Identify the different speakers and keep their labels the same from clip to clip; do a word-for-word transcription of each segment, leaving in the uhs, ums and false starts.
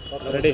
Speaker 1: Ready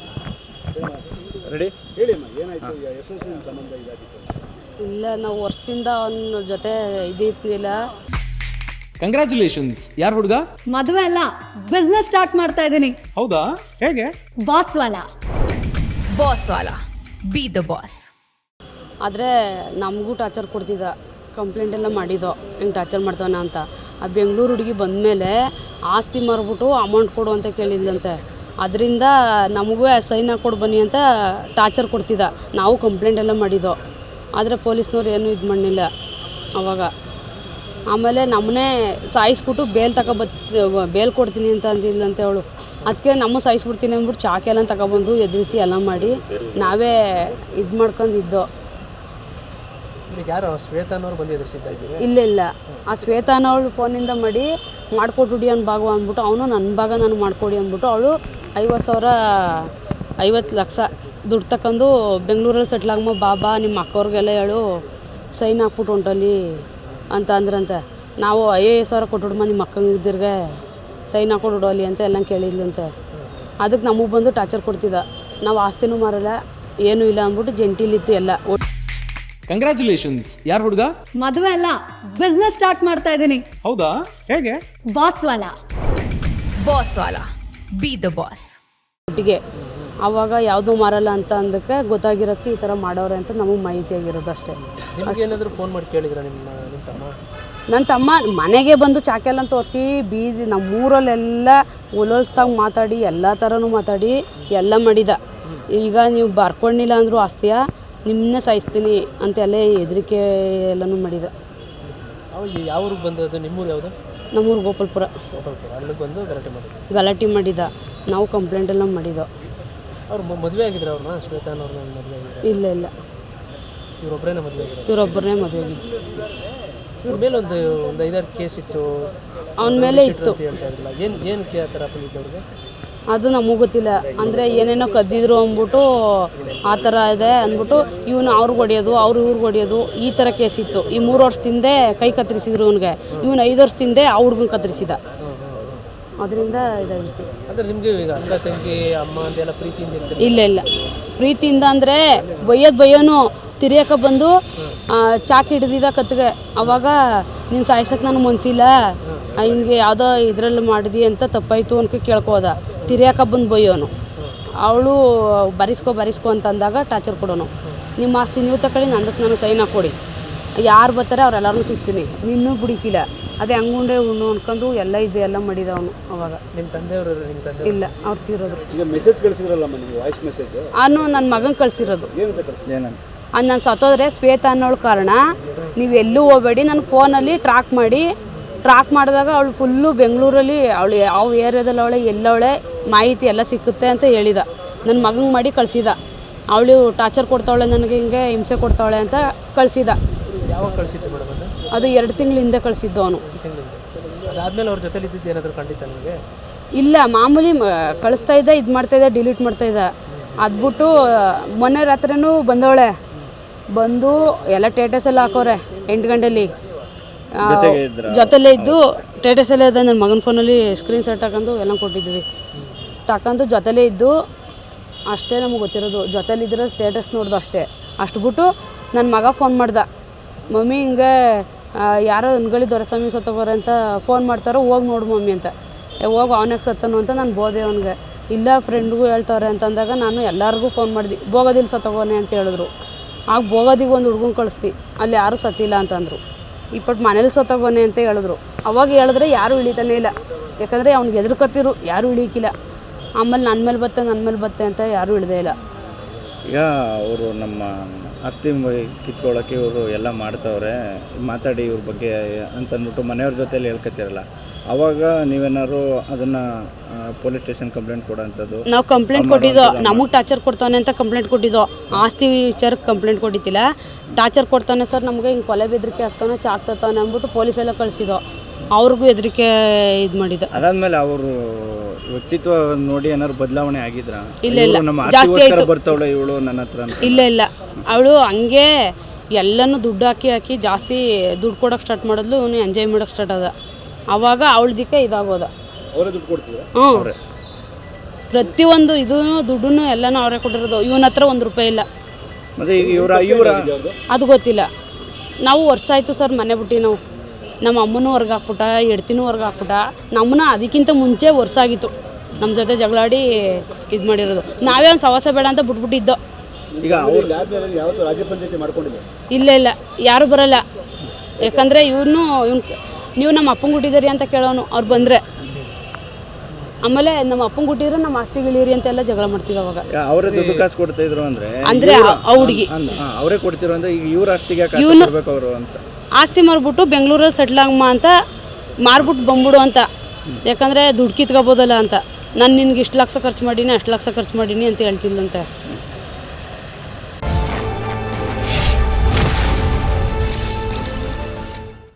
Speaker 1: ready
Speaker 2: ಹೇಳಿ ಅಮ್ಮ, ಏನಾಯ್ತು? ಎಷ್ಟು ವರ್ಷ ನಿಮ್ಮ ಸಂಬಂಧ ಇದಾಗಿತ್ತು?
Speaker 3: ಇಲ್ಲ, ನಾವು ವರ್ಷದಿಂದ ಅವನ ಜೊತೆ ಇದಿರ್ತಿಲ್ಲ.
Speaker 1: ಕಂಗ್ರ್ಯಾಚುಲೇಷನ್ಸ್. ಯಾರು ಹುಡುಗ?
Speaker 4: ಮದುವೆ ಅಲ್ಲ, ಬಿಸ್ನೆಸ್ ಸ್ಟಾರ್ಟ್ ಮಾಡ್ತಾ ಇದ್ದೀನಿ.
Speaker 1: ಹೌದಾ? ಹೇಗೆ?
Speaker 4: ಬಾಸ್ ವಾಲ.
Speaker 5: ಬಾಸ್ ವಾಲ, ಬಿ ದ ಬಾಸ್.
Speaker 3: ಆದರೆ ನಮಗೂ ಟಾರ್ಚರ್ ಕೊಡ್ತಿದ್ದ, ಕಂಪ್ಲೇಂಟ್ ಎಲ್ಲ ಮಾಡಿದ್ದೋ ಹಿಂಗೆ ಟಾರ್ಚರ್ ಮಾಡ್ತಾನೆ ಅಂತ. ಆ ಬೆಂಗಳೂರು ಹುಡುಗಿ ಬಂದಮೇಲೆ ಆಸ್ತಿ ಮಾರ್ಬಿಟ್ಟು ಅಮೌಂಟ್ ಕೊಡು ಅಂತ ಕೇಳಿದ್ಲಂತೆ. ಅದರಿಂದ ನಮಗೂ ಸೈನ್ ಹಾಕ್ಕೊಡು ಬನ್ನಿ ಅಂತ ಟಾರ್ಚರ್ ಕೊಡ್ತಿದ್ದ. ನಾವು ಕಂಪ್ಲೇಂಟ್ ಎಲ್ಲ ಮಾಡಿದ್ದೋ, ಆದರೆ ಪೊಲೀಸ್ನವ್ರು ಏನೂ ಇದು ಮಾಡಲಿಲ್ಲ ಅವಾಗ. ಆಮೇಲೆ ನಮ್ಮನ್ನೇ ಸಾಯಿಸ್ಬಿಟ್ಟು ಬೇಲ್ ತಗೊಬತ್ ಬೇಲ್ ಕೊಡ್ತೀನಿ ಅಂತ ಅಂದಿಲ್ಲಂತೆ ಅವಳು. ಅದಕ್ಕೆ ನಮ್ಮ ಸಾಯಿಸ್ಬಿಡ್ತೀನಿ ಅಂದ್ಬಿಟ್ಟು ಚಾಕೆಲ್ಲ ತಗೊಬಂದು ಎದುರಿಸಿ ಎಲ್ಲ ಮಾಡಿ ನಾವೇ ಇದು ಮಾಡ್ಕೊಂಡಿದ್ದೋ.
Speaker 6: ಯಾರು ಶ್ವೇತಾನವ್ರು ಬಂದು ಎದುರಿಸಿದ್ದ?
Speaker 3: ಇಲ್ಲ ಇಲ್ಲ, ಆ ಶ್ವೇತಾನವಳು ಫೋನಿಂದ ಮಾಡಿ ಮಾಡಿಕೊಟ್ಬಿಡಿ ಅವ್ನ ಭಾಗ ಅಂದ್ಬಿಟ್ಟು, ಅವನು ನನ್ನ ಭಾಗ ನಾನು ಮಾಡಿಕೊಡಿ ಅಂದ್ಬಿಟ್ಟು ಅವಳು ಐವತ್ತು ಸಾವಿರ ಐವತ್ತು ಲಕ್ಷ ದುಡ್ಡು ತಗೊಂಡು ಬೆಂಗಳೂರಲ್ಲಿ ಸೆಟ್ಲಾಗಮ್ಮ ಬಾಬಾ ನಿಮ್ಮ ಅಕ್ಕವ್ರಿಗೆಲ್ಲ ಹೇಳು ಸೈನ್ ಹಾಕ್ಬಿಟ್ಟು ಹೊಂಟಲ್ಲಿ ಅಂತ ಅಂದ್ರಂತೆ. ನಾವು ಐವತ್ತು ಸಾವಿರ ಕೊಟ್ಬಿಡಮ್ಮ ನಿಮ್ಮ ಅಕ್ಕಂಗಿದ್ದಿರ್ಗೆ ಸೈನ್ ಹಾಕ್ಕೊಡು ಅಲ್ಲಿ ಅಂತ ಎಲ್ಲ ಕೇಳಿದ್ಲಂತೆ. ಅದಕ್ಕೆ ನಮಗೆ ಬಂದು ಟಾರ್ಚರ್ ಕೊಡ್ತಿದ್ದ. ನಾವು ಆಸ್ತಿನೂ ಮಾರಲ್ಲ ಏನೂ ಇಲ್ಲ ಅಂದ್ಬಿಟ್ಟು ಜಂಟಿಲಿತ್ತು ಎಲ್ಲ.
Speaker 1: ಕಂಗ್ರ್ಯಾಚುಲೇಷನ್ಸ್. ಯಾರು ಹುಡುಗ?
Speaker 4: ಮದುವೆ ಅಲ್ಲ, ಬಿಸ್ನೆಸ್ ಸ್ಟಾರ್ಟ್ ಮಾಡ್ತಾ ಇದ್ದೀನಿ.
Speaker 1: ಹೌದಾ? ಹೇಗೆ?
Speaker 4: ಬಾಸ್ ವಾಲ.
Speaker 5: ಬಾಸ್ ವಾಲ, ಬಿ ದ ಬಾಸ್.
Speaker 3: ಒಟ್ಟಿಗೆ ಆವಾಗ ಯಾವುದೂ ಮಾರಲ್ಲ ಅಂತ ಅಂದಕ್ಕೆ ಗೊತ್ತಾಗಿರೋದಕ್ಕೆ ಈ ಥರ ಮಾಡೋರೆ ಅಂತ ನಮಗೆ ಮಾಹಿತಿ ಆಗಿರೋದು ಅಷ್ಟೇ.
Speaker 6: ನಿಮ್ಗೇನಾದರೂ ಫೋನ್ ಮಾಡಿ ಕೇಳಿದ್ರ ನಿಮ್ಮ ನಿಮ್ಮ ತಮ್ಮ?
Speaker 3: ನನ್ನ ತಮ್ಮ ಮನೆಗೆ ಬಂದು ಚಾಕೆಲ್ಲ ತೋರಿಸಿ ಬೀದಿ ನಮ್ಮೂರಲ್ಲೆಲ್ಲ ಒಲೋಲ್ಸ್ದಾಗ ಮಾತಾಡಿ ಎಲ್ಲ ಥರನೂ ಮಾತಾಡಿ ಎಲ್ಲ ಮಾಡಿದ. ಈಗ ನೀವು ಬರ್ಕೊಂಡಿಲ್ಲ ಅಂದರೂ ಆಸ್ತಿಯ ನಿಮ್ಮನ್ನೇ ಸಾಯಿಸ್ತೀನಿ ಅಂತೆಲ್ಲ ಹೆದರಿಕೆ ಎಲ್ಲನೂ ಮಾಡಿದ.
Speaker 6: ಅವಾಗ ಯಾವ ಊರಿಗೆ ಬಂದದ್ದು? ನಿಮ್ಮೂರು ಯಾವುದು?
Speaker 3: ನಮ್ಮೂರು ಗೋಪಾಲ್ಪುರ.
Speaker 6: ಗೋಪಾಲ್ಪುರ. ಅಲ್ಲಿಗೆ ಬಂದು ಗಲಾಟೆ ಮಾಡಿ
Speaker 3: ಗಲಾಟೆ ಮಾಡಿದ. ನಾವು ಕಂಪ್ಲೇಂಟ್ ಎಲ್ಲ ಮಾಡಿದ್ದೋ.
Speaker 6: ಅವ್ರು ಮದುವೆ ಆಗಿದ್ರು ಅವ್ರನ್ನ? ಶ್ವೇತಾನವ್ರನ್ನ ಮದುವೆ ಆಗಿದ್ರು?
Speaker 3: ಇಲ್ಲ ಇಲ್ಲ,
Speaker 6: ಇವರೊಬ್ಬರೇನ ಮದುವೆ ಆಗಿದ್ರು?
Speaker 3: ಇವರೊಬ್ಬರನ್ನೇ ಮದುವೆ ಆಗಿದ್ದು.
Speaker 6: ಇವ್ರ ಮೇಲೆ ಒಂದು ಒಂದು ಐದಾರು ಕೇಸ್ ಇತ್ತು,
Speaker 3: ಅವನ ಮೇಲೆ ಇತ್ತು.
Speaker 6: ಹೇಳ್ತಾ ಇದ್ರಲ್ಲ, ಏನು ಏನು ಕೇ ಆ ಥರ ಬಂದಿದ್ದವ್ರಿಗೆ?
Speaker 3: ಅದು ನಮಗೆ ಗೊತ್ತಿಲ್ಲ. ಅಂದರೆ ಏನೇನೋ ಕದ್ದಿದ್ರು ಅಂದ್ಬಿಟ್ಟು ಆ ಥರ ಇದೆ ಅಂದ್ಬಿಟ್ಟು ಇವನು ಅವ್ರಿಗೆ ಹೊಡೆಯೋದು ಅವ್ರು ಇವ್ರಿಗೆ ಹೊಡೆಯೋದು ಈ ಥರ ಕೇಸ್ ಇತ್ತು. ಈ ಮೂರು ವರ್ಷದಿಂದೆ ಕೈ ಕತ್ತರಿಸಿದ್ರು ಇವನಿಗೆ. ಇವನು ಐದು ವರ್ಷದಿಂದೆ ಆ ಹುಡ್ಗನ ಕತ್ತರಿಸಿದ. ಅದರಿಂದ ಇದಾಗಿತ್ತು.
Speaker 6: ಅಂದರೆ ನಿಮಗೆ ಈಗ ಅಕ್ಕ ತಂಗಿ ಅಮ್ಮ ಅಂತೆಲ್ಲ ಪ್ರೀತಿಯಿಂದ ಇರ್ತೀರಿ?
Speaker 3: ಇಲ್ಲ ಇಲ್ಲ, ಪ್ರೀತಿಯಿಂದ ಅಂದರೆ ಬೈಯೋದು ಬೈಯೋನು ತಿರಿಯಕ್ಕೆ ಬಂದು ಚಾಕಿ ಹಿಡಿದಿದ್ದ ಕತ್ತಿಗೆ. ಅವಾಗ ನೀನು ಸಾಯ್ಸಕ್ಕೆ ನನಗೆ ಮನಸ್ಸಿಲ್ಲ, ಹಿಂಗೆ ಯಾವುದೋ ಇದರಲ್ಲಿ ಮಾಡಿದಿ ಅಂತ ತಪ್ಪಾಯಿತು ಅನ್ಕೊ ಕೇಳ್ಕೋದ. ತಿರಿಯಕ್ಕೆ ಬಂದು ಬೈಯೋನು. ಅವಳು ಬರಿಸ್ಕೊ ಬರಿಸ್ಕೊ ಅಂತ ಅಂದಾಗ ಟಾರ್ಚರ್ ಕೊಡೋನು. ನಿಮ್ಮ ಆಸ್ತಿ ನೀವು ತಗೊಳ್ಳಿ, ನಂದಕ್ಕೆ ನಾನು ಸೈನ್ ಹಾಕ್ಕೊಡಿ, ಯಾರು ಬರ್ತಾರೆ ಅವರೆಲ್ಲರೂ ಸಿಗ್ತೀನಿ, ನಿನ್ನೂ ಬಿಡಿಕಿಲ್ಲ. ಅದೇ ಹಂಗುಂಡೆ ಉಣ್ಣು ಅನ್ಕೊಂಡು ಎಲ್ಲ ಇದು ಎಲ್ಲ ಮಾಡಿದ ಅವನು. ಅವಾಗ
Speaker 6: ನಿಮ್ಮ ತಂದೆಯವರು? ನಿಮ್ಮ ತಂದೆ
Speaker 3: ಇಲ್ಲ, ಅವ್ರು ತೀರೋದು.
Speaker 2: ಈಗ ಮೆಸೇಜ್ ಕಳಿಸಿದ್ರಲ್ಲಮ್ಮ ನೀವು, ವಾಯ್ಸ್ ಮೆಸೇಜ್?
Speaker 3: ಅವನು ನನ್ನ ಮಗನ ಕಳಿಸಿರೋದು.
Speaker 2: ಏನಂತ ಕಳಿಸಿದ್ರಿ? ಏನಂತ?
Speaker 3: ಅದು ನಾನು ಸತ್ತೋದ್ರೆ ಶ್ವೇತಾ ಅನ್ನೋಳ ಕಾರಣ ನೀವು ಎಲ್ಲೂ ಹೋಗಬೇಡಿ, ನನ್ನ ಫೋನಲ್ಲಿ ಟ್ರ್ಯಾಕ್ ಮಾಡಿ ಟ್ರ್ಯಾಕ್ ಮಾಡಿದಾಗ ಅವಳು ಫುಲ್ಲು ಬೆಂಗಳೂರಲ್ಲಿ ಅವಳು ಯಾವ ಏರಿಯಾದಲ್ಲಿ ಅವಳೆ ಎಲ್ಲವಳೆ ಮಾಹಿತಿ ಎಲ್ಲ ಸಿಕ್ಕುತ್ತೆ ಅಂತ ಹೇಳಿದ. ನನ್ನ ಮಗಂಗೆ ಮಾಡಿ ಕಳಿಸಿದ. ಅವಳು ಟಾರ್ಚರ್ ಕೊಡ್ತಾವಳೆ, ನನಗೆ ಹಿಂಗೆ ಹಿಂಸೆ ಕೊಡ್ತಾವಳೆ ಅಂತ ಕಳಿಸಿದ.
Speaker 6: ಯಾವಾಗ ಕಳಿಸಿದ್ದು ಮೇಡಮ್ ಅದು?
Speaker 3: ಅದು ಎರಡು ತಿಂಗಳ ಹಿಂದೆ ಕಳಿಸಿದ್ದು ಅವನು.
Speaker 6: ತಿಂಗಳಿಂದ. ಅದಾದಮೇಲೆ ಅವ್ರ ಜೊತೆಲಿ ಇದ್ದಿದ್ದು ಏನಾದರೂ ಖಂಡಿತ ನಿಮಗೆ?
Speaker 3: ಇಲ್ಲ, ಮಾಮೂಲಿ ಕಳಿಸ್ತಾ ಇದ್ದ, ಇದು ಮಾಡ್ತಾಯಿದ್ದ, ಡಿಲೀಟ್ ಮಾಡ್ತಾಯಿದ್ದ. ಅದ್ಬಿಟ್ಟು ಮೊನ್ನೆ ರಾತ್ರಿನೂ ಬಂದವಳೆ. ಬಂದು ಎಲ್ಲ ಟೇಟಸ್ ಎಲ್ಲ ಹಾಕೋರೆ ಎಂಟು ಗಂಟೆಲಿ ಜೊತೆಲೇ ಇದ್ದು ಟೇಟಸ್ ಎಲ್ಲ ಇದೆ. ನನ್ನ ಮಗನ ಫೋನಲ್ಲಿ ಸ್ಕ್ರೀನ್ ಶಾಟ್ ಹಾಕೊಂಡು ಎಲ್ಲ ಕೊಟ್ಟಿದ್ವಿ. ತಗೊಂಡು ಜೊತೆಲೇ ಇದ್ದು ಅಷ್ಟೇ ನಮಗೆ ಗೊತ್ತಿರೋದು. ಜೊತೆಲಿದ್ದರೆ ಸ್ಟೇಟಸ್ ನೋಡ್ದು ಅಷ್ಟೇ. ಅಷ್ಟು ಬಿಟ್ಟು ನನ್ನ ಮಗ ಫೋನ್ ಮಾಡ್ದ, ಮಮ್ಮಿ ಹಿಂಗೆ ಯಾರೋ ಅನ್ಗಳಿ ದೊರೆಸ್ವಾಮಿ ಸತ್ತೋಗೋರೆ ಅಂತ ಫೋನ್ ಮಾಡ್ತಾರೋ, ಹೋಗಿ ನೋಡು ಮಮ್ಮಿ ಅಂತ. ಹೋಗಿ ಅವನಾಗ ಸತ್ತನು ಅಂತ ನಾನು ಬೋದೆ ಅವನಿಗೆ. ಇಲ್ಲ ಫ್ರೆಂಡ್ಗೂ ಹೇಳ್ತವ್ರೆ ಅಂತಂದಾಗ ನಾನು ಎಲ್ಲರಿಗೂ ಫೋನ್ ಮಾಡಿದೆ, ಬೋಗೋದಿಲ್ಲ ಸತ್ತೋಗೋನೆ ಅಂತ ಹೇಳಿದ್ರು. ಆಗ ಬೋಗೋದಿಗೆ ಒಂದು ಹುಡ್ಗನ ಕಳಿಸ್ತಿ, ಅಲ್ಲಿ ಯಾರೂ ಸತ್ತಿಲ್ಲ ಅಂತಂದರು. ಇಪ್ಪಟ್ಟು ಮನೇಲಿ ಸತ್ತೋಗೋನೆ ಅಂತ ಹೇಳಿದ್ರು. ಅವಾಗ ಹೇಳಿದ್ರೆ ಯಾರೂ ಇಳಿತಾನೆ ಇಲ್ಲ, ಯಾಕಂದರೆ ಅವ್ನಿಗೆ ಎದುರ್ಕೊತಿರು, ಯಾರೂ ಇಳಿಯಕ್ಕಿಲ್ಲ. ಆಮೇಲೆ ನನ್ನ ಮೇಲೆ ಬತ್ತೆ ನನ್ನ ಮೇಲೆ ಬತ್ತೆ ಅಂತ ಯಾರೂ ಇಳಿದೇ ಇಲ್ಲ.
Speaker 7: ಈಗ ಅವರು ನಮ್ಮ ಆಸ್ತಿ ಕಿತ್ಕೊಳ್ಳೋಕ್ಕೆ ಇವರು ಎಲ್ಲ ಮಾಡ್ತವ್ರೆ, ಮಾತಾಡಿ ಇವ್ರ ಬಗ್ಗೆ ಅಂತಂದ್ಬಿಟ್ಟು ಮನೆಯವ್ರ ಜೊತೆಲಿ ಹೇಳ್ಕೊತಿರಲ್ಲ, ಅವಾಗ ನೀವೇನಾದ್ರು ಅದನ್ನು ಪೊಲೀಸ್ ಸ್ಟೇಷನ್ ಕಂಪ್ಲೇಂಟ್ ಕೊಡೋಂಥದ್ದು?
Speaker 3: ನಾವು ಕಂಪ್ಲೇಂಟ್ ಕೊಟ್ಟಿದ್ದೋ, ನಮಗೆ ಟಾರ್ಚರ್ ಕೊಡ್ತಾನೆ ಅಂತ ಕಂಪ್ಲೇಂಟ್ ಕೊಟ್ಟಿದ್ದೋ. ಆಸ್ತಿ ವಿಚಾರಕ್ಕೆ ಕಂಪ್ಲೇಂಟ್ ಕೊಟ್ಟಿದ್ದಿಲ್ಲ. ಟಾರ್ಚರ್ ಕೊಡ್ತಾನೆ ಸರ್, ನಮಗೆ ಹಿಂಗೆ ಕೊಲೆ ಬೆದರಿಕೆ ಆಗ್ತಾನೆ, ಚಾಕ್ತಾನೆ ಅಂದ್ಬಿಟ್ಟು ಪೊಲೀಸೆಲ್ಲ ಕಳಿಸಿದೋ. ಅವ್ರಿಗೂ ಹೆದರಿಕೆ ಇದು ಮಾಡಿದ.
Speaker 7: ಅದಾದ್ಮೇಲೆ ಅವರು ವ್ಯಕ್ತಿತ್ವ ನೋಡಿ ಏನಾದ್ರು ಬದಲಾವಣೆ ಆಗಿದ್ರ?
Speaker 3: ಇಲ್ಲ ಇಲ್ಲ,
Speaker 7: ನಮ್ಮ
Speaker 3: ಜಾಸ್ತಿ ಆಯ್ತು.
Speaker 7: ಬರ್ತಾವಳೆ ಇವಳು ನನ್ನ ಹತ್ರ?
Speaker 3: ಇಲ್ಲ ಇಲ್ಲ, ಅವಳು ಹಂಗೆ ಎಲ್ಲನೂ ದುಡ್ಡು ಹಾಕಿ ಹಾಕಿ ಜಾಸ್ತಿ ದುಡ್ಡು ಕೊಡೋಕೆ ಸ್ಟಾರ್ಟ್ ಮಾಡಿದ್ಲು. ಅವನು ಎಂಜಾಯ್ ಮಾಡೋಕೆ ಸ್ಟಾರ್ಟ್ ಆದ. ಆವಾಗ ಅವಳದಿಕ್ಕೆ ಇದಾಗೋದ.
Speaker 2: ಅವರೇ ದುಡ್ಡು ಕೊಡ್ತೀರಾ?
Speaker 3: ಹ್ಞೂ, ಪ್ರತಿಯೊಂದು ಇದೂ ದುಡ್ಡು ಎಲ್ಲನೂ ಅವರೇ ಕೊಟ್ಟಿರೋದು. ಇವನ ಹತ್ರ ಒಂದು ರೂಪಾಯಿ ಇಲ್ಲ.
Speaker 7: ಮತ್ತು ಇವರ ಇವರ
Speaker 3: ಅದು ಗೊತ್ತಿಲ್ಲ. ನಾವು ವರ್ಷ ಆಯಿತು ಸರ್ ಮನೆ ಬಿಟ್ಟು. ನಾವು ನಮ್ಮ ಅಮ್ಮನೂ ಹೊರ್ಗೆ ಹಾಕ್ಬಿಟ್ಟ, ಹೆಡ್ತಿನೂ ಹೊರ್ಗೆ ಹಾಕ್ಬಿಟ್ಟ. ನಮ್ಮನ್ನ ಅದಕ್ಕಿಂತ ಮುಂಚೆ ವರ್ಷ ಆಗಿತ್ತು ನಮ್ಮ ಜೊತೆ ಜಗಳಾಡಿ ಇದು ಮಾಡಿರೋದು. ನಾವೇ ಒಂದು ಸವಾಸ ಬೇಡ ಅಂತ ಬಿಟ್ಬಿಟ್ಟಿದ್ದೋ.
Speaker 7: ಈಗ ಅವ್ರು
Speaker 2: ಯಾವತ್ತೂ ರಾಜ್ಯ ಪಂಚಾಯತಿ ಮಾಡ್ಕೊಂಡಿಲ್ಲ.
Speaker 3: ಇಲ್ಲ ಇಲ್ಲ ಯಾರೂ ಬರೋಲ್ಲ. ಯಾಕಂದರೆ ಇವನು ಇವ್ನು ನೀವು ನಮ್ಮ ಅಪ್ಪಂಗೆ ಹುಟ್ಟಿದ್ದೀರಿ ಅಂತ ಕೇಳೋನು ಅವ್ರು ಬಂದರೆ. ಆಮೇಲೆ ನಮ್ಮ ಅಪ್ಪಂಗೆ ಹುಟ್ಟಿದ್ರೆ ನಮ್ಮ ಆಸ್ತಿಗಳಿರಿ ಅಂತೆಲ್ಲ ಜಗಳ ಮಾಡ್ತೀವಿ ಅವಾಗ.
Speaker 7: ಅವರೇ ದುಡ್ಡು ಕಾಸು ಕೊಡ್ತಾ ಇದ್ರು ಅಂದರೆ
Speaker 3: ಅಂದರೆ ಆ ಹುಡುಗಿ
Speaker 7: ಅವರೇ ಕೊಡ್ತಿರೋ ಅಂದ್ರೆ ಈಗ ಇವ್ರ ಆಸ್ತಿಗೆ ಕಾಸು
Speaker 3: ಇವ್ನು-
Speaker 7: ಕೊಡ್ಬೇಕು ಅವರು ಅಂತ
Speaker 3: ಆಸ್ತಿ ಮಾರ್ಬಿಟ್ಟು ಬೆಂಗಳೂರಲ್ಲಿ ಸೆಟ್ಲ್ ಆಗಮ್ಮ ಅಂತ ಮಾರ್ಬಿಟ್ಟು ಬಂದ್ಬಿಡು ಅಂತ. ಯಾಕಂದರೆ ದುಡ್ಡು ಕಿತ್ಕೋಬೋದಲ್ಲ ಅಂತ. ನಾನು ನಿನ್ಗೆ ಇಷ್ಟು ಲಕ್ಷ ಖರ್ಚು ಮಾಡೀನಿ, ಅಷ್ಟು ಲಕ್ಷ ಖರ್ಚು ಮಾಡೀನಿ ಅಂತ ಹೇಳ್ತಿಲ್ಲಂತೆ.